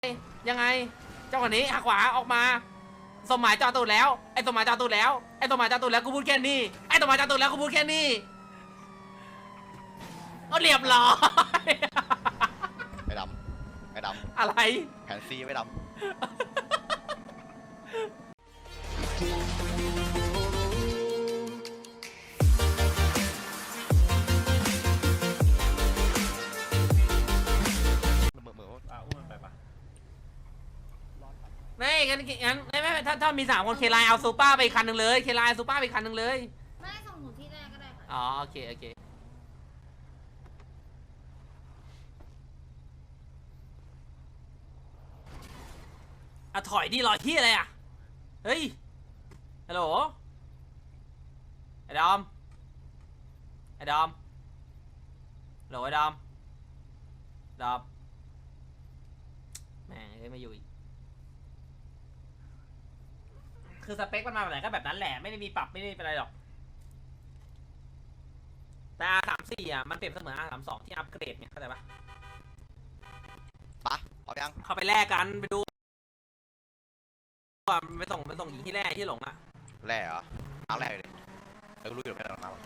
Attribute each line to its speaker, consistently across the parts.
Speaker 1: ยังไงเจ้าคนนี้หักขวาออกมาสมหมายจอตูดแล้วไอ้สมหมายจอตูดแล้วไอ้สมหมายจอตูดแล้วกูพูดแค่นี้ไอ้สมหมายจอตูดแล้วกูพูดแค่นี้ก็เรียบร้อย
Speaker 2: ไม่ดำไม่ดำ
Speaker 1: อะไร
Speaker 2: แผนซีไม่ดำ
Speaker 1: ไม่งั้นไม่ถ้ามี3 คนเคไลเอาซูเปอร์ไปคันหนึ่งเลยเคไลซูเปอร์ไปคันหนึ่งเลย
Speaker 3: ไม่ได้ส่งหนูที่แรกก็ได้ค่ะ
Speaker 1: อ๋อโอเคถอยดิรอที่อะไรอ่ะเฮ้ยฮัลโหลไอ้ดอมฮัลโหลไอ้ดอมแม่งไม่อยู่อีกคือสเปคมันมาแบบไหนก็แบบนั้นแหละไม่ได้มีปรับไม่ได้เป็นอะไรหรอกแต่ R34 อ่ะมันเปรียบเสมือน R32 ที่อัปเกรดไงเข้าใจปะ
Speaker 2: ปะเอายัง
Speaker 1: เข้าไปแลกกันไปดูไปส่งหญิงที่แรกที่หลงอ่ะ
Speaker 2: แร่เหรอเอาแร่เลยเรารู้อยู่แค่ไหนมา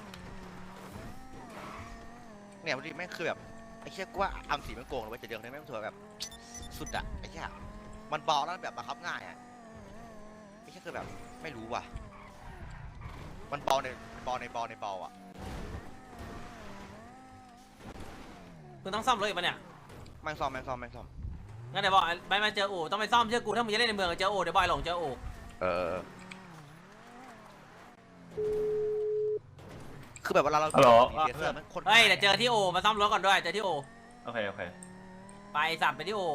Speaker 2: เนี่ยวันนี้แม่งคือแบบไอ้เชี่ยกูว่าอัมสีมันโกงเลยจะเดือดเลยแม่งถือแบบสุดอะไอ้เชี่ยมันเบาแล้วแบบบังคับง่ายอะไอ้เชี่ยคือแบบไม่รู้ว่ะมันเบาในเบาอะ
Speaker 1: คุณต้องซ่อมรถอีกปะเนี่ย
Speaker 2: แม่งซ่อม
Speaker 1: งั้นเดี๋ยวบอกไปมาเจออู่ต้องไปซ่อมเชื่อกูถ้ามึงจะเล่นในเมืองเจออู่เดี๋ยวบอยหลงเจออู่
Speaker 2: คือแบบเวลาเรา
Speaker 1: เฮ้ยเดี๋ยวเจอที่อู่มาซ่อมรถก่อนด้วยเจอที่อู่
Speaker 4: โอเค
Speaker 1: ไปสับไปที่อู่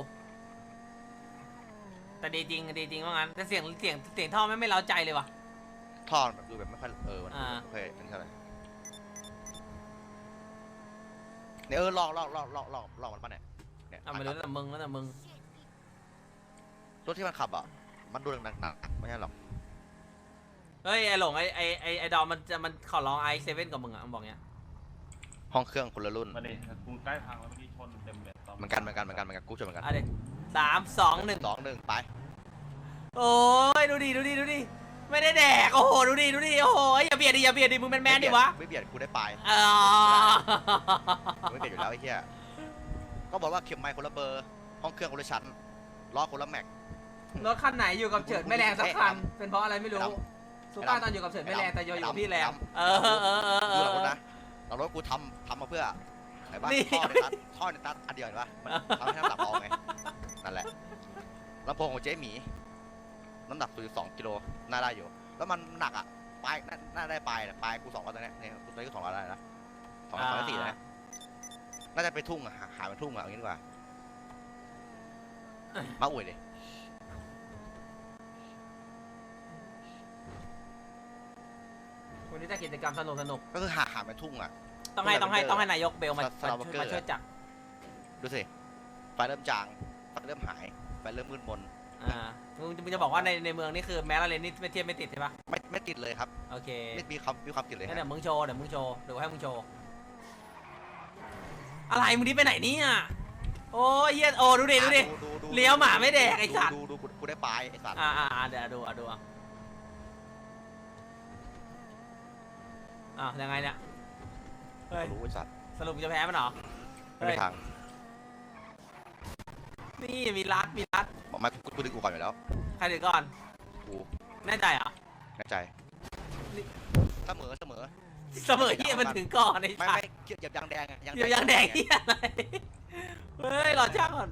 Speaker 1: แต่ดีจริงว่างั้นแต่เสียงท่อไม่เล้าใจเลยว่ะ
Speaker 2: ท่อแบบดูแบบไม่ค่อยโอเคอันนี้เท่าไหร่เนี่ยลองมันป่ะเนี่ย
Speaker 1: ไม่รู้แต่มึง
Speaker 2: รถที่มันขับอ่ะมันดูหนักไม่ใช่หรอก
Speaker 1: เฮ้ยไอหลงไอดอมมันขอร้องi7กับมึงอ่ะมันบอกเงี้ย
Speaker 2: ห้องเครื่องคนละรุ่น
Speaker 4: มาดิกูใกล้พังแล้วเมื่อกี้ชนเต็มเลย
Speaker 2: เหมือนกันกูชนเหมือนกัน
Speaker 1: 3 2 1
Speaker 2: ไป
Speaker 1: โอ้ยดูดิไม่ได้แดกโอ้โหดูดิโอ้โหอย่าเบียดดิมึงแมนดิวะ
Speaker 2: ไม่เบียดกูได้ไปไม่เบียดอยู่แล้วไอ้เหี้ยก็บอกว่าเข็มไมค์คนละเบอร์ห้องเครื่องคนละชั้นล้อคนละแม็ก
Speaker 1: รถคันไหนอยู่กับเฉิดไม่แรงสักคันเป็นเพราะอะไรไม่รู้สุก้าตอนอยู่กับเฉิดไม่แรงแต่อยู่พี่แรง
Speaker 2: ดูหลังรถนะหลังรถกูทำมาเพื่อไหนบ้างท่อในตัดอันเดียวเห็นปะทำให้น้ำหนักเบาไงนั่นแหละลำโพงของเจ๊หมีน้ำหนักตัว2 กิโลน่าได้อยู่แล้วมันหนักอ่ะปลายน่าได้ปลายกู2 ร้อยตอนนี้เนี่ยกูตอนนี้2 ร้อยได้นะ2 ร้อย 4นะน่าจะไปทุ่งอ่ะหาเป็นทุ่งอ่ะอย่างนี้ดีกว่ามาอวยดิ
Speaker 1: วันนี้จะกิจกรรมสนุก
Speaker 2: ก็คือหาเป็นทุ่งอ่ะ
Speaker 1: ต้องให้นายกเบลมาช่วยจับ
Speaker 2: ดูสิไฟเริ่มจางไฟเริ่มหายไฟเริ่มมืดมน
Speaker 1: มึงจะบอกว่าในเมืองนี่คือแม้ละเลนนี่ไม่เทียบไม่ติดใช่ปะ
Speaker 2: ไม่ติดเลยครับ
Speaker 1: โอเค
Speaker 2: ไม่มีความติดเลย
Speaker 1: เดี๋ยวมึงโชว์เดี๋ยวให้มึงโชว์อะไรมึงนี่ไปไหนเนี่ยโอ้ยเฮียโอ้ดูดิเลี้ยวหมาไม่แดกไอ้สัตว์
Speaker 2: ดูกูได้ปลายไอ้สัตว์
Speaker 1: เดี๋ยวดูยังไงเนี่ย
Speaker 2: รู้ไอ้สัตว์
Speaker 1: สรุปจะแพ้มันเหรอ
Speaker 2: ไม่ทาง
Speaker 1: นี่มีรัด
Speaker 2: บอกมากูดึงกูก่อนอยู่แล้ว
Speaker 1: ใครดึงก่อน
Speaker 2: กู
Speaker 1: แน่ใจเหรอ
Speaker 2: แน่ใจเสมอ
Speaker 1: เฮียมันถึงก่อนไอ้
Speaker 2: ไม่เหยียบยางแดง
Speaker 1: เฮียอะไรเฮ้ยรอช่างก่อน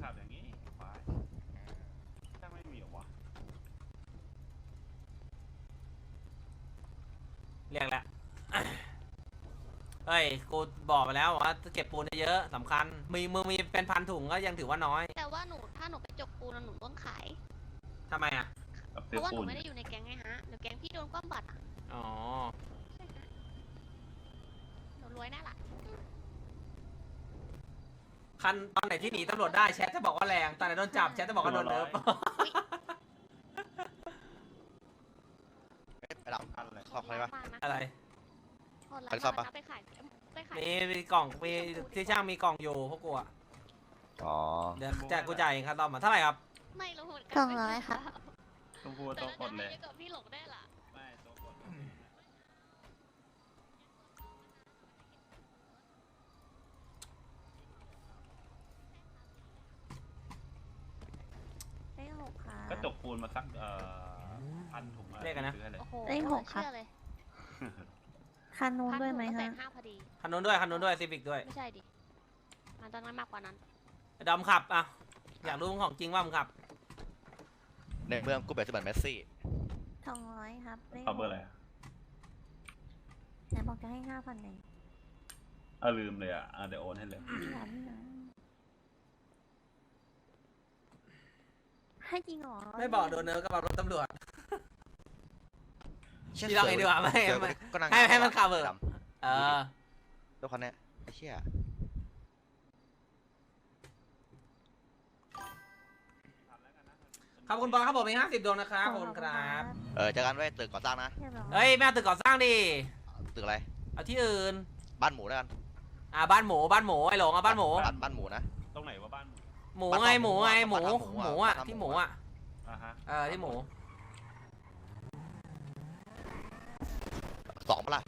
Speaker 1: เรียกแล้วเฮ้ยกูบอกไปแล้วว่าเก็บปูนเยอะสำคัญมึงมีเป็นพันถุงก็ยังถือว่าน้อย
Speaker 3: แต่ว่าถ้าหนูไปจกปูนหนูต้องขาย
Speaker 1: ทำไมอ่ะ
Speaker 3: เพราะว่าหนูไม่ได้อยู่ในแก๊งไงฮะเดี๋ยวแก๊งพี่โดนคว่ำบัตร
Speaker 1: อ๋อ
Speaker 3: หนูรวยแน่ละ
Speaker 1: คันตอนไหนที่หนีตำรวจได้แชทจะบอกว่าแรงตอนไหนโดนจับแชทจะบอกว่าโดนเลิฟ
Speaker 2: ไปรับอะไร
Speaker 3: ไปซ่อมปะไปขาย
Speaker 1: มีกล่องมีที่ช่างมีกล่องอยู่พวกกูอ่ะ
Speaker 2: อ๋อ
Speaker 1: เดี๋ยวกูจ่ายเองครับตอนมาเท่าไหร่ครับ
Speaker 3: ไม่รู้เหมือนกั
Speaker 5: 200ค่ะ
Speaker 4: ต้องพูด
Speaker 3: แต่
Speaker 4: ต้องก
Speaker 3: น่า
Speaker 4: ด
Speaker 3: จะ
Speaker 4: เล
Speaker 3: ให้
Speaker 4: ย
Speaker 3: เยอะกว่าพี่หลงได้ล่ะ
Speaker 4: ไม่ต้องกด
Speaker 5: เลข 6ค่ะ
Speaker 4: ก็จกปูนมาสัก1,000 ถุง
Speaker 1: เลขอะไรนะ
Speaker 4: ซื้อให้เลย
Speaker 3: โอ้โห
Speaker 5: เลขหกค่ะ
Speaker 3: เชื่อเลย
Speaker 5: คันนู้นด้วยไหม
Speaker 3: 1,000
Speaker 5: คะ
Speaker 3: 5พอดี
Speaker 1: คันนู้นด้วยคันนู้นด้วยซีวิกด้วย
Speaker 3: ไม่ใช่ดิ มันต้องมากกว่านั้น
Speaker 1: ดอมขับอ่ะอยากรู้ของจริงว่ามึงขับ
Speaker 2: ในเมืองกูแบบจะเหมือนเมสซี่
Speaker 5: 200ครับเลข
Speaker 4: เอาเบอร์อะไรอะ
Speaker 5: ไหนบอกจะให้ 5,000เลย
Speaker 4: ลืมเลยอ่ะเดี๋ยวโอนให้เลย
Speaker 5: อย่าพี่นะให้จริงเหรอ
Speaker 1: ไม่บอกโดนเนิร์กกับรถตำรวจ พี่ลองเองดีกว่าไม่
Speaker 2: เจอ
Speaker 1: ไม่
Speaker 2: ก็นั่ง
Speaker 1: ให้มันขับเถอะ
Speaker 2: ดำ
Speaker 1: เออ
Speaker 2: รถคันเนี้ยไอ้เชี่ย
Speaker 1: ขอบคุณบอลครับผมมี50 ดวงนะครับขอบคุณครับ
Speaker 2: เจอกันไว้ตึกก่อสร้างนะ
Speaker 5: เรียบร้อย
Speaker 1: เฮ้ยแม่เอาตึกก่อสร้างดิ
Speaker 2: ตึกอะไร
Speaker 1: เอาที่อื่น
Speaker 2: บ้านหมูแล้วกัน
Speaker 1: บ้านหมูไอ้หลงบ้านหมู
Speaker 2: บ้านหมูนะ
Speaker 4: ตรงไหนว่าบ้านหมู
Speaker 1: หมูไงหมูไงหมู
Speaker 2: บ้านหมู
Speaker 1: หมู
Speaker 2: อ่ะ
Speaker 1: อ่ะที่หมูอ่ะ
Speaker 4: ฮะ
Speaker 1: ที่หมู
Speaker 2: 2ปะล่ะ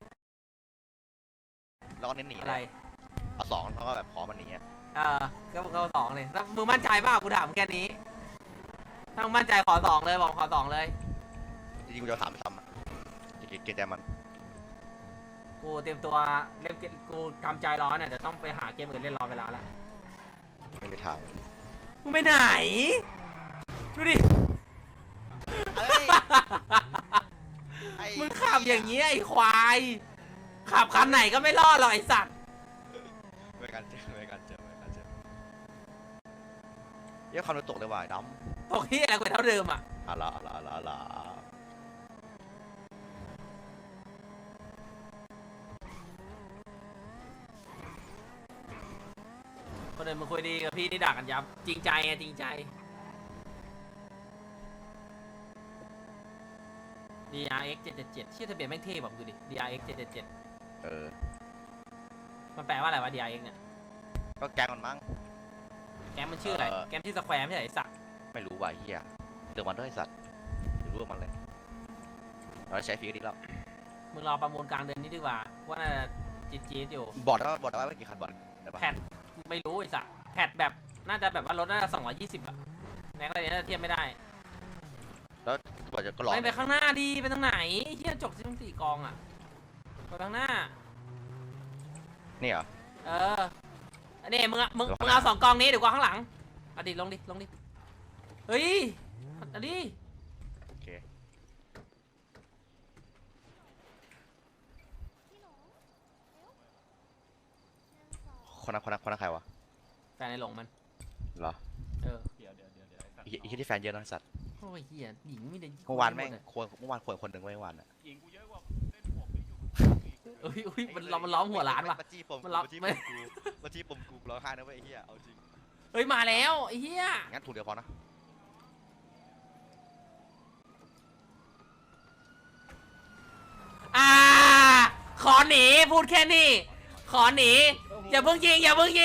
Speaker 2: แล้วก็เน้นหนี
Speaker 1: อะไร
Speaker 2: เอา2แล้วก็แบบขอมันหนีอะ
Speaker 1: ก็สองเลยแล้วมึงมั่นใจเปล่ากูถามแค่นี้ถ้ามึงมั่นใจขอสองเลยบอกขอสองเลย
Speaker 2: จริงๆกูจะเอา3ไปทำอะจะเกลียดใจมัน
Speaker 1: กูเตรียมตัวเล่นเกมกูกำใจร้อนเนี่ยเดี๋ยวต้องไปหาเกมอื่นเล่นรอเวลาละ
Speaker 2: ไม่มีทาง
Speaker 1: มึงไปไหนดูดิ
Speaker 2: เอ้ยไอ้
Speaker 1: มึงขับอย่างนี้ไอ้ควายขับคันไหนก็ไม่รอดหรอกไอ้สัตว์
Speaker 2: ไม่กันเจอเยอะความรู้ตกเลยว่ะไอ้ด
Speaker 1: ตกที่อะไรกูเท่าเดิมอ่ะ
Speaker 2: ำอะละ
Speaker 1: คนอื่นมึงคุยดีกับพี่นี่ด่ากันยับจริงใจไงจริงใจ DRX 777ชื่อทะเบียนแม่งเท่แบบดูดิ DRX 777
Speaker 2: เออ
Speaker 1: มันแปลว่าอะไรวะ DRX เนี่ย
Speaker 2: ก็แกงมันมั้ง
Speaker 1: แกมมันชื่ออะไร แกมชื่อสแควร์ไม่ใช่ไอ้สัตว์
Speaker 2: ไม่รู้ว่ะไอ้เฮียเดือดมันด้วยไอ้สัตว์ไม่รู้ว่ามันเลยเราใช้ฟรีก็ดีแล้ว
Speaker 1: มึงรอประมูลกลางเดือนนี้ดีกว่าว่าน่าจะจี๊ดๆอยู่
Speaker 2: บอกได้ว่าไม่กี่คันบอลได้ปะ
Speaker 1: แพทไม่รู้ไอ้สัตว์แพทแบบน่าจะแบบว่ารถน่าจะ220อะในกรณีน่าจะเทียบไม่ได้
Speaker 2: แล้วบอกจะก็รอ
Speaker 1: ไปข้างหน้าดีไปทางไหนเฮียจกทั้ง4กองอะไปทางหน้า
Speaker 2: นี่เหรอ
Speaker 1: อันนี้มึง
Speaker 2: เดี๋ยว
Speaker 1: เอา2 กองนี้เดี๋ยวกูเอาข้างหลังเอาดิลงดิเฮ้ยเอาดิ
Speaker 2: โอเค
Speaker 3: พี่หลง
Speaker 2: คนนั้นใครวะ
Speaker 1: แฟนในหลงมัน
Speaker 2: เหรอ
Speaker 1: เออ
Speaker 4: เดี๋ยวไอ้สัตว์
Speaker 2: ไอ้เหี้ยที่แฟนเยอะนะไอ้สัตว์
Speaker 1: โอ้ยเฮียหญิงไม่ได้
Speaker 2: เมื่อวานแม่งเมื่อวานควรคนหนึ่งไว้เมื่อวานอ่ะ
Speaker 4: หญิงกูเยอะกว่าเล่นหมวกนี่อยู่
Speaker 1: อุ้ยมันล้อมหัวร้านว่ะ
Speaker 2: มาจี้ปม
Speaker 1: มันล็อก
Speaker 2: มาจี้
Speaker 1: ไม่
Speaker 2: ปมกูร้องไห้นะเว้ยไอ้เหี้ยเอาจริง
Speaker 1: เฮ้ยมาแล้วไอ้เฮีย
Speaker 2: งั้นถูกเดียวพอนะ
Speaker 1: ขอหนีพูดแค่นี้ขอหนีอย่าเพิ่งยิง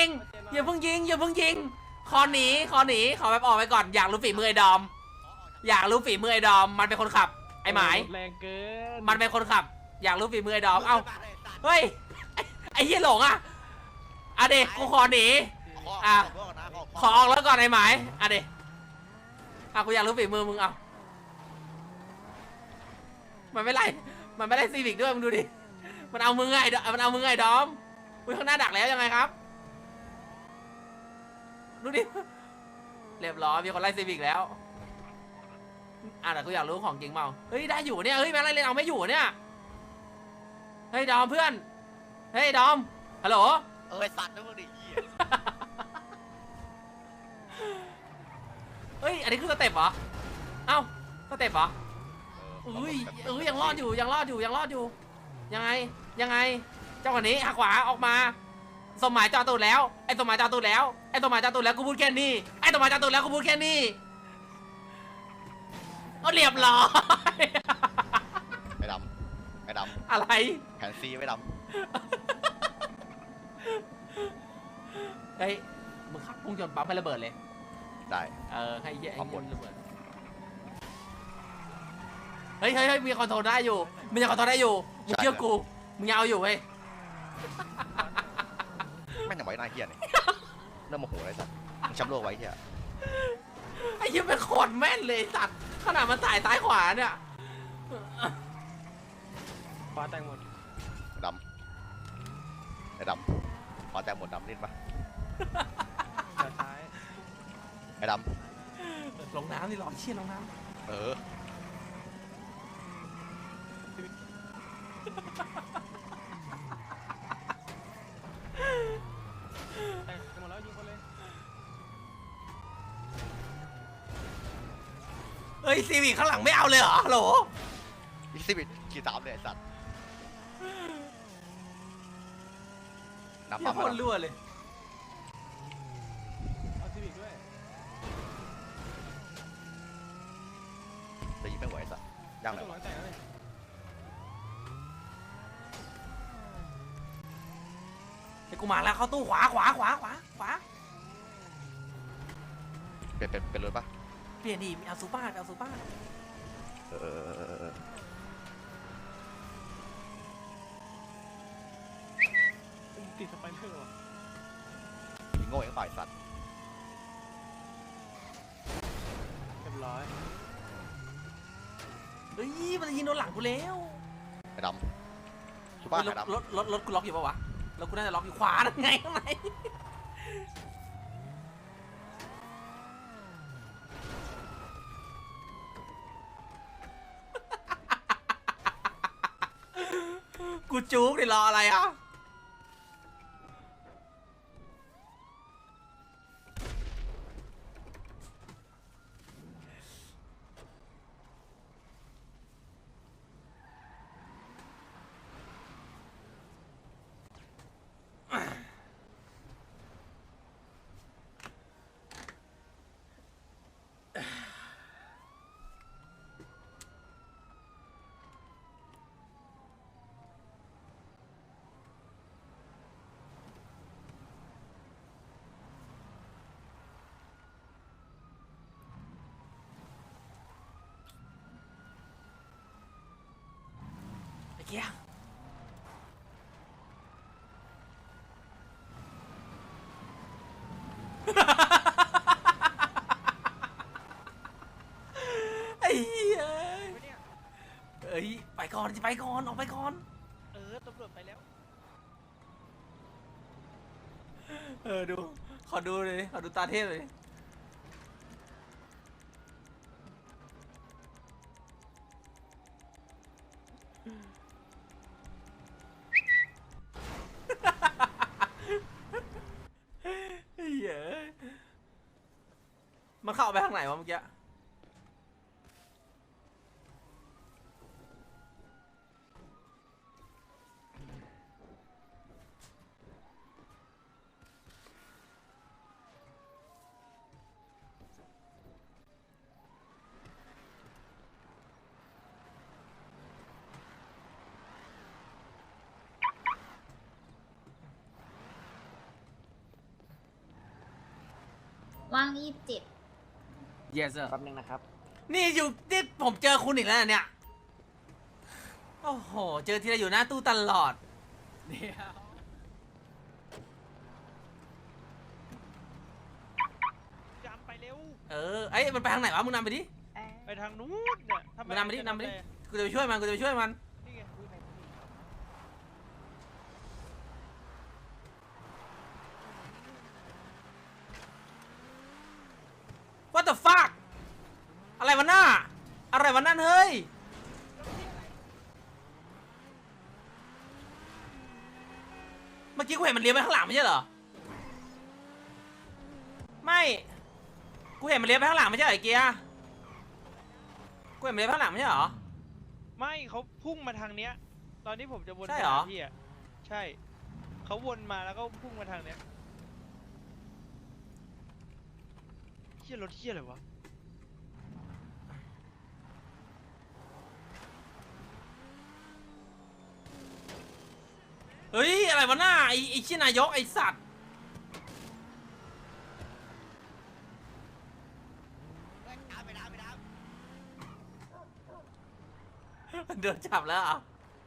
Speaker 1: ขอหนีขอแบบออกไปก่อนอยากรู้ฝีมือไอ้ดอมมันเป็นคนขับไอ้หมาย
Speaker 6: แรงเกิน
Speaker 1: มันเป็นคนขับ อยากรู้ฝีมือไอ้ดอมเอ้าเฮ้ยไอ้เฮียหลงอ่ะเด็กกูขอหนี อ่ะ ขอออกแล้วก่อนไอ้หมายเด็กกูอยากรู้ฝีมือมึงเอามันไม่ไล่ซีวิกด้วยมึงดูดิมันเอามึงไงดอมมึงข้างหน้าดักแล้วยังไงครับดูดิเรียบร้อยมีคนไล่ซีวิกแล้วแต่กูอยากรู้ของจริงเปล่าเฮ้ยได้อยู่เนี่ยเฮ้ยแม่งไล่เล่นเอาไม่อยู่เนี่ยเฮ้ยดอมเพื่อนเฮ้ยดอมฮัลโหล
Speaker 2: ไอ้สัตว์นะมึงดิเหี้ย
Speaker 1: เฮ้ยอันนี้คือสเต็ปเหรอเอ้าสเต็ปเหรออุ้ยยังรอดอยู่ยังไงเจ้าคนนี้หักขวาออกมาสมหมายจอตูดแล้วไอ้สมหมายจอตูดแล้วกูพูดแค่นี้เอาเรียบร้อย
Speaker 2: ไอ้ดำ
Speaker 1: อะไร
Speaker 2: แผนซีไว้ด
Speaker 1: เฮ้ยมึงขับพุ่งชนปั๊มให้ระเบิดเลย
Speaker 2: ได้
Speaker 1: ให้เหี้ยไอ้
Speaker 2: ขอบคุ
Speaker 1: เงี้
Speaker 2: ณ
Speaker 1: ยระเบิดเฮ้ยมีคอนโทรลได้อยู่มึงยังคอนโทรลได้อยู่มึงเชื่อกูมึงยังเอาอยู่เว้ย
Speaker 2: แม่งยังไว้หน้าเฮียเนี่ยเริ่มโมโหเลยสัตว์มึงแชมป์โลกไว้เฮีย
Speaker 1: ไอ้เหี้ยเป็นโคตรแม่นเลยสัตว์ขนาดมันสายซ้ายขวาเนี่ย
Speaker 6: ฟ้าแตงหมด
Speaker 2: ดำไอ้ดำพอแต้มหมดดำเล่นปะ
Speaker 6: แต่ซ้าย
Speaker 2: ไอ้ด
Speaker 1: ลงน้ำดิหรอเชี่ยลงน้
Speaker 2: ำเออ
Speaker 6: แตงหมดแล้วยิงคนเลย
Speaker 1: ำเฮ้ยซีวิคข้างหลังไม่เอาเลยเหรอฮัลโหล
Speaker 2: อีซิบิทขี่ตามเลยไอ้สัตว์น้ำ
Speaker 1: เหี้
Speaker 2: ปั๊
Speaker 1: ย
Speaker 2: ม
Speaker 1: โคตรรั่วเลย
Speaker 6: เอาซีวิกด้วย
Speaker 2: จะยิงไม่ไหวไอ้สัตว์ย่างไหน
Speaker 6: ตัวหลั
Speaker 2: วะ
Speaker 6: งแต่งเลย
Speaker 1: ไอ้กูมาแล้วเข้าตู้ขวา
Speaker 2: เป็นรถปะ
Speaker 1: เปลี่ยนดิเอาซูเปอร์
Speaker 2: เออ
Speaker 6: ติดสไปเดอร์ว่ะ
Speaker 2: ยิงโง่เองเปล่าไอ้สัตว์
Speaker 6: เรียบร้อย
Speaker 1: เฮ้ยมันจะยิงโดนหลังกูแล้ว
Speaker 2: ไอ้ดำชูบ้า
Speaker 1: เฮ้ย
Speaker 2: ไอ้ดำ
Speaker 1: รถกูล็อกอยู่ปะวะรถกูน่าจะล็อกอยู่ขวานั่นไงข้างในกูจุกดิรออะไรอ่ะไอ้เกี้ยไอ้เหี้ยเอ้ยไปก่อนออกไปก่อน
Speaker 6: ตำรวจไปแล้ว
Speaker 1: ดูขอดูเลยขอดูตาเทพเลยเฮ้ยมันเข้าไปทางไหนวะเมื่อกี้
Speaker 7: ว่าง27
Speaker 1: yes sir
Speaker 6: แป๊บนึงนะครับ
Speaker 1: นี่ผมเจอคุณอีกแล้วเนี่ย โอ้โห เจอทีไรอยู่หน้าตู้ตลอด
Speaker 6: จำไปเร็ว
Speaker 1: ไอ้ยมันไปทางไหนวะ มึงนำไปดิ
Speaker 6: ไปทางนู้นเนี่ย
Speaker 1: มึงนำไปดิกูจะไปช่วยมัน
Speaker 6: นี่ไง
Speaker 1: What the fuck อะไรวะหน้า อะไรวะนั่นเฮ้ย เมื่อกี้กูเห็นมันเลี้ยวไปข้างหลังไม่ใช่เหรอ ไม่ กูเห็นมันเลี้ยวไปข้างหลังไม่ใช่เหรอไอ้เกียร์กูเห็นมันเลี้ยวไปข้างหลังไม่ใช่เหรอ
Speaker 6: ไม่เขาพุ่งมาทางเนี้ย ตอนนี้ผมจะวน
Speaker 1: ใช่เหรอ
Speaker 6: ไปาพี่อ่ะ ใช่ เขาวนมาแล้วก็พุ่งมาทางเนี้ยเฮียรถเฮียอะไรวะ
Speaker 1: เฮ้ย อะไรวะหน้า ไอ้ชี้นายกไอ้สัตว์โดนจับแล้วเหรอ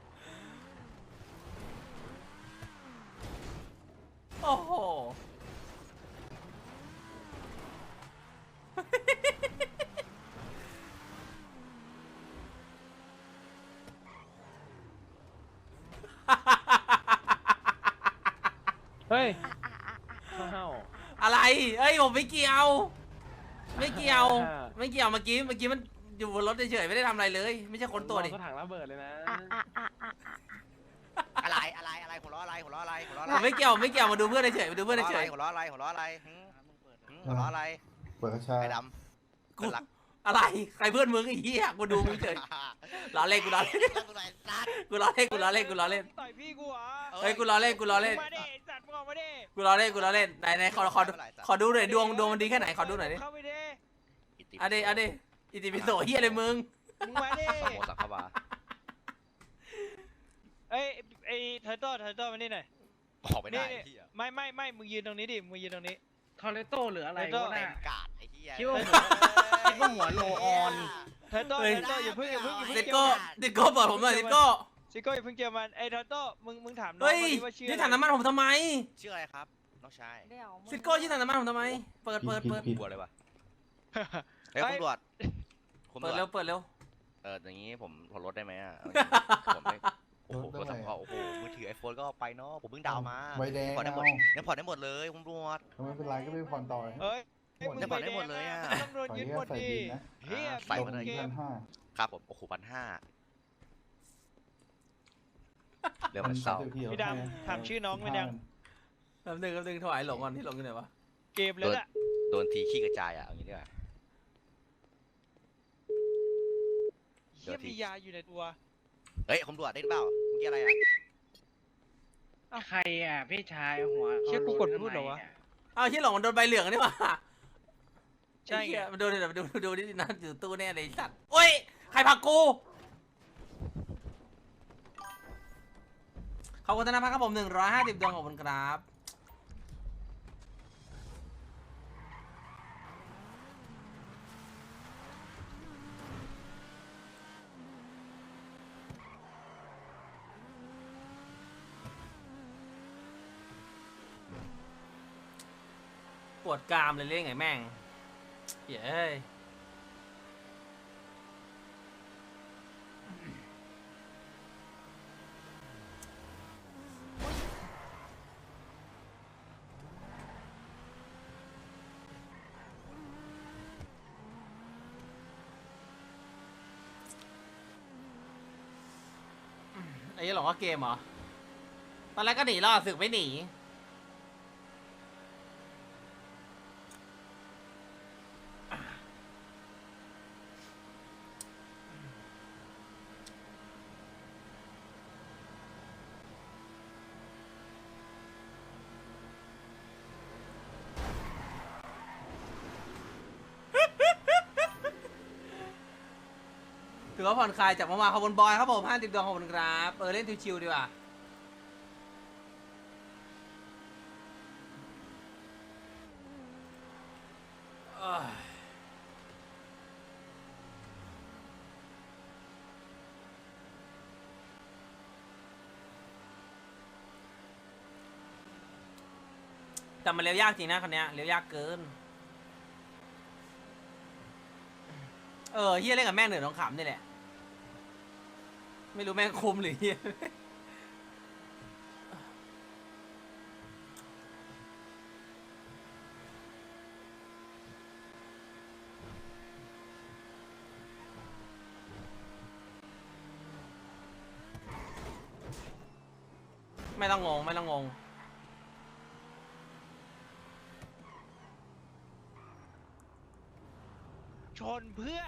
Speaker 1: โอ้โห
Speaker 6: เฮ้ยข้าว
Speaker 1: อะไรเอ้ยผมไม่เกี่ยว ไม่เกี่ยว ไม่เกี่ยวเมื่อกี้มันอยู่บนรถเฉยๆไม่ได้ทำอะไรเลย ไม่ใช่คนตัวดิ
Speaker 6: ก็ถังระเบิดเลยนะ
Speaker 2: อะไรหัวเราะอะไรหัวเราะอะไร
Speaker 1: ผมไม่เกี่ยวมาดูเพื่อนเฉยๆมาดูเพื่อนเฉย
Speaker 2: หัวเราะอะไรหัวเราะอะไรหัวเราะอะไร
Speaker 8: เปิดกระชา
Speaker 2: ไอ้ด
Speaker 1: ๆกูอะไรใครเพื่อนมึงไอ้เหี้ยกูดูมึงเฉย
Speaker 2: ำ
Speaker 1: ล้อเล่นกูล้อเล่น
Speaker 2: กูไหนซัด
Speaker 1: กูล้อเล่นกูล้อเล่นกูล้อเล่น
Speaker 6: ต่อยพี่กูเหรอ
Speaker 1: เฮ้ยกูล้อเล่นกูล้อเล่น
Speaker 6: มาดิสัตว์มึงออกมาดิ
Speaker 1: กูล้อเล่นกูล้อเล่นไหนขอดูหน่อยดวงมันดีแค่ไหนขอดูหน่อยดิ
Speaker 6: เข้าไปดิ
Speaker 1: เอาดิอิติปิโสเหี้ยอะไรมึง
Speaker 6: มึงมาดิ
Speaker 2: โมสักขบา
Speaker 6: เอ้ยไอ้เทอร์โต้มานี่หน่อย
Speaker 2: ออกไม่ได้
Speaker 6: นี่
Speaker 2: ไอ้เหี้ย
Speaker 6: ไม่มึงยืนตรงนี้ดิมึงยืนตรงนี้
Speaker 9: ทอร์เรโต้หรืออะไร
Speaker 6: เรโต้
Speaker 9: วะ
Speaker 2: เต็
Speaker 9: น่ะ
Speaker 2: มกาดไอ้เหี้ย
Speaker 9: คิดว่าหัวโลออน
Speaker 6: เทอร์โต้อย่าเพิ่ง
Speaker 1: เด็กโก้บอกผมหน่อยเด็กโก้
Speaker 6: ซิโก้อย่าเพิ่งเจอมันไอ้เทอร์โต้มึงถามน้อง
Speaker 1: เฮ้ย
Speaker 6: มาดิว่าชื่อ
Speaker 1: ที่
Speaker 6: อะไร
Speaker 1: ถังน้ำมันผมทำไม
Speaker 2: ชื่ออะไรครับน้องชาย
Speaker 1: ซิโก้ที่ถังน้ำมันผมทำไมเปิด
Speaker 2: กลัวเลยวะเฮ้ยคุณตำรวจคุณ
Speaker 1: เปิด
Speaker 2: ตำร
Speaker 1: เร็
Speaker 2: ว
Speaker 1: ว
Speaker 2: จ
Speaker 1: เปิดเร็ว
Speaker 2: อย่างนี้ผมขอลดได้ไหมอ่ะผมไม่โอ้โหโทรศัพท์ก็โอ้โหมือถือไอโฟนก็เอาไปเนาะผมเพิ่งดาวน์มา
Speaker 8: ใบแดง
Speaker 2: ผ่อนได้หมด
Speaker 8: เอา
Speaker 2: ยังผ่อนได้หมดเลยคุณตำรวจ
Speaker 8: ไม่เป็นไรก็ไม่ผ่อนต่อ
Speaker 6: เฮ้ย
Speaker 8: ผ่อน
Speaker 2: จะผ่อนได้หมดเลยอะ
Speaker 6: ตำรวจ
Speaker 8: ขออ
Speaker 6: ยึด
Speaker 8: นุ
Speaker 6: หม
Speaker 8: ญาต
Speaker 6: ด
Speaker 8: ใส่
Speaker 6: ดิ
Speaker 8: บินนะ
Speaker 6: เฮีย
Speaker 2: ใส่มาเลย
Speaker 6: เกม
Speaker 8: 1,500
Speaker 2: ครับผมโอ้โห1,500เดี๋ยวมันเศร้า
Speaker 6: พี่ดำถามชื่อน้องมันยัง
Speaker 1: แป๊บนึงถวายหลงก่อนที่หลงอยู่ไหนวะ
Speaker 6: เกมแล้วล่ะ
Speaker 2: โดนทีขี้กระจายอ่ะเอางี้ดีกว่า
Speaker 6: เฮียมียาอยู่ในตัว
Speaker 2: เฮ้ยคุณตำรวจได้เปล่าเมื่อกี้อะไรอ่ะ
Speaker 9: ใครอ่ะพี่ชายหัว
Speaker 6: เชี่ยกูกดพูดเหรอวะ
Speaker 1: อ้าวที่หลงมันโดนใบเหลืองนี่หว่า
Speaker 6: ใช่ไง
Speaker 1: ไอ้เหี้ยมันโดนเดี๋ยวดูนี่นะอยู่ตู้แน่เลยไอ้สัตว์โอ้ยใครผลักกูขอบคุณธนพัฒน์ครับผม150ดวงขอบคุณครับปวดกรามเลยเล่นไงแม่งเย้ยไอ้ยี่หลงว่าเกมเหรอตอนแรกก็หนีรอดสึกไม่หนีถือว่าผ่อนคลายจากเมื่อวานขอบคุณบอยครับผม50ดวงขอบคุณครับเล่นชิวๆดีกว่าแต่มันเลี้ยวยากจริงนะคันเนี้ยเลี้ยวยากเกินเฮียเล่นกับแม่งเหนือน้องขำนี่แหละไม่รู้แม่งคุมหรือเฮียไม่ต้องงง
Speaker 6: ชนเพื่อ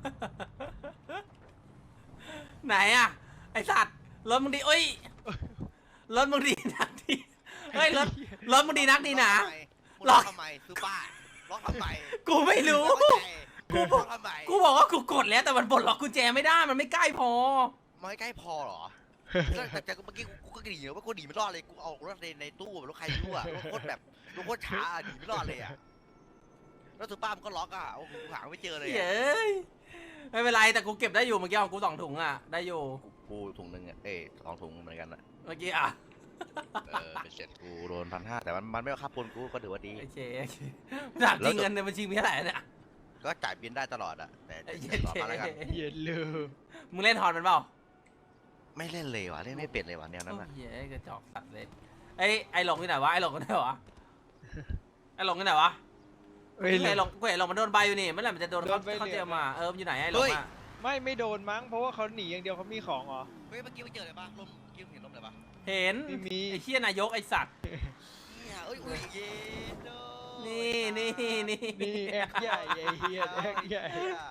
Speaker 1: ไหนอะไอสัตว์รถมึงดีเอ้ยรถมึงดีนักดีเฮ้ยรถมึงดีนักดีหนา
Speaker 2: ล็อกทำไมซื้อป้าล็อกทำไม
Speaker 1: กูไม่รู้
Speaker 2: กูบอกทำไม
Speaker 1: กูบอกว่ากูกดแล้วแต่มันปลดล็อกกุญแจไม่ได้มันไม่ใกล้พอ
Speaker 2: มันไม่ใกล้พอเหรอแต่เมื่อกี้กูก็หนีว่ากูหนีไม่รอดเลยกูเอารถในตู้รถใครไม่รู้อะรถโคตรแบบรถโคตรช้าหนีไม่รอดเลยอะแล้วซื้อป้ามันก็ล็อกอะโอ้โหหาไม่เจอเลย
Speaker 1: เย้ยไม่เป็นไรแต่กูเก็บได้อยู่เมื่อกี้ของกู2 ถุงอ่ะได้อยู่
Speaker 2: กูถุงหนึ่งอ่ะ2 ถุงเหมือนกันอ่ะ
Speaker 1: เมื่อกี้อ่ะ
Speaker 2: เป็นเสร็จกูโดน1,500แต่มันไม่เอาค่าปนกูก็ถือว่าดี
Speaker 1: โอเคถามจริงเงินในบัญชีมีเท่าไหร่เนี่ย
Speaker 2: ก็จ่ายบินได้ตลอดอ่ะแต่
Speaker 1: ไอ้เหี้
Speaker 2: ต่อมาแล้วกัน
Speaker 6: เย็นเลย
Speaker 1: มึงเล่นฮอนมันเปล่า
Speaker 2: ไม่เล่นเลยว่ะเล่นไม่เป็นเลยว่ะแนวนั้น
Speaker 1: โอ้
Speaker 2: อ่ะ
Speaker 1: ยเฮ้ยกระจอกสัตว์เลยไอ้หลงที่ไหนวะไอ้หลงที่ไหนวะไอ้หลงที่ไหนวะ
Speaker 6: เฮ้ย
Speaker 1: ไอ้หลงมันโดนใบอยู่นี่เมื่อไหร่มันจะโดนเขาเจอมามันอยู่ไหนไอ้หลงอ่ะ
Speaker 6: ไม่โดนมั้งเพราะว่าเขาหนีอย่างเดียวเขามีของเหรอ
Speaker 2: เฮ้ยเมื่อกี้ไปเจออะไรปะลมเมื่อกี้เห็นลมอะไรปะ
Speaker 1: เห็น
Speaker 6: ไม่มี
Speaker 1: ไอ้เชี่ยนายกไอ้สัตว์
Speaker 2: เนี่ยเอ้ยอุ้ยเย็นโด
Speaker 1: นี่
Speaker 6: นี่แอกใหญ่ไอ้เฮียแอกใหญ่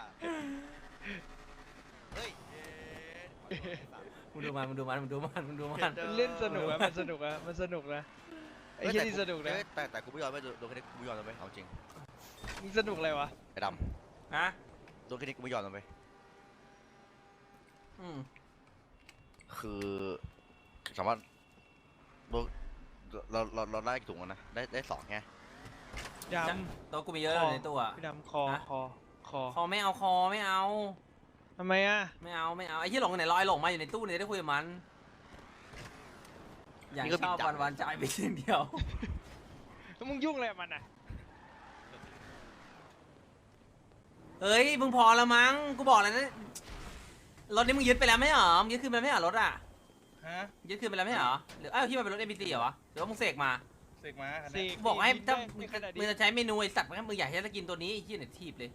Speaker 2: เฮ้ย
Speaker 1: มึงดูมัน
Speaker 6: มันเล่นสนุกอะมันสนุกอะมันสนุกนะไอ้เฮียนี่สนุกนะ
Speaker 2: แต่กูไม่ยอมไม่โดนแค่นี้กูไม่ยอมเลยเอาจริง
Speaker 6: มึงสนุกอะไรวะ
Speaker 2: ไอ้ด
Speaker 1: ฮะ
Speaker 2: ำโดนแค่นี้กูไม่ยอมเลย คือสามารถเราได้กี่ถุงแล้วนะได้2ไง
Speaker 6: ด
Speaker 1: ตัวกูมีเยอะเลยในตู้อ่ะ
Speaker 6: ำพี่ดำคอ
Speaker 1: ฮะ
Speaker 6: คอ
Speaker 1: คอไม่เอา
Speaker 6: ทำไมอะ
Speaker 1: ไม่เอาไอ้ที่หลงไหนลอยหลงมาอยู่ในตู้เนี่ยได้คุยกับมันอย่างชอบวันจ่ายไปสิ่งเดียว
Speaker 6: แล้วมึงยุ่งอะไรกับมันอะ
Speaker 1: เฮ้ยมึงพอแล้วมั้งกูบอกแล้วนะรถนี้มึงยึดไปแล้วไม่เหรอมึงยึดคืนไปแล้วไม่เหรอรถอ่ะ
Speaker 9: ฮะ
Speaker 1: ยึดคืนไปแล้วไม่เหรอหรือที่มันเป็นรถ MBT เหรอวะหรือว่ามึงเสกมา
Speaker 9: เสกมาคัน
Speaker 6: เส
Speaker 9: นี้
Speaker 6: ก
Speaker 1: บอกให้ถ้า
Speaker 6: ในขณะ
Speaker 1: มึ
Speaker 6: นี้
Speaker 1: งจะใช้เมนูไอสัตว์มึงอยากให้จะกินตัวนี้ไอ้ที่ไหนทีบเลย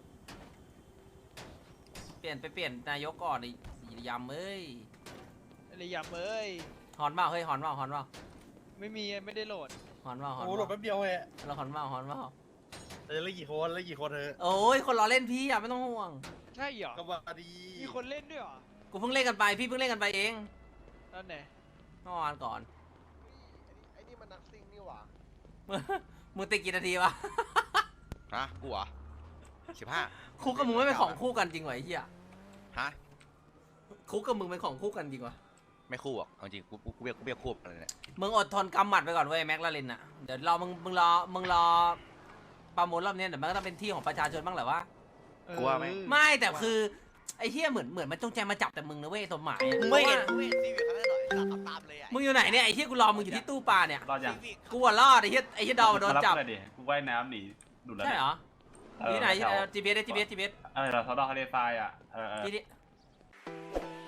Speaker 1: เปลี่ยนนายกก่อนไอ้ยำเอ้ย
Speaker 6: อะไรยำเอ้ย
Speaker 1: ฮอนเปล่าเฮ้ยฮอนเปล่า
Speaker 6: ไม่มีไม่ได้โหลด
Speaker 1: ฮอนเปล่า
Speaker 9: โอ้โหหลบแป๊บเดียวเอง
Speaker 1: เราฮอนเปล่า
Speaker 9: แต่จะเล่นกี่คนเล่นกี่คนเธอ
Speaker 1: โอ้ยคนรอเล่นพี่อ่ะไม่ต้องห่วง
Speaker 6: ใช่เหรอ
Speaker 9: ก็ว่าดี
Speaker 6: มีคนเล่นด้วยเหรอ
Speaker 1: กูเพิ่งเล่นกันไปพี่เพิ่งเล่นกันไปเอง
Speaker 6: นั่นไหน
Speaker 1: เมื่อวานก่อน
Speaker 2: ไอ้นี่มันนักซิ่งนี่หว่า
Speaker 1: มึงติดกี่นาทีวะ
Speaker 2: ฮะกูเหรอ15
Speaker 1: คุกกับมึงไม่เป็นของคู่กันจริงวะไอ้เหี้ย
Speaker 2: ฮะ
Speaker 1: คุกกับมึงเป็นของคู่กันจริงวะ
Speaker 2: ไม่คู่อ่ะเอาจริงกูเบียคู่อะไรเนี่ย
Speaker 1: มึงอดทนกำหมัดไปก่อนเว้ยแม็กลาเรนอ่ะเดี๋ยวรอมึงรอประมูลรอบนี้เดี๋ยวมันก็ต้องเป็นที่ของประชาชนบ้างแหละวะ
Speaker 2: กูว่าไหม
Speaker 1: ไม่แต่คือไอ้เหี้ยเหมือนมันจงใจมาจับแต่มึงนะเว้ยสมหมาย
Speaker 2: มึงไม่เห็นซีวิคเขาได้หน่อยตามเลยอ่ะ
Speaker 1: มึงอยู่ไหนเนี่ยไอ้เหี้ยกูรอมึงอยู่ที่ตู้ปลาเนี่ย
Speaker 4: รอดยัง
Speaker 1: กูอะรอดไอ้เหี้ยดอมโดนจับ
Speaker 4: มารับกูหน่อยดิกูว่ายน้ำหนีดูดแล้ว
Speaker 1: ใช่เหรอ
Speaker 4: เออ
Speaker 1: ที่ไหน
Speaker 4: แถว
Speaker 1: GPS
Speaker 4: อะไรเราทอดทะเลทรายอ่ะ
Speaker 1: ที่นี่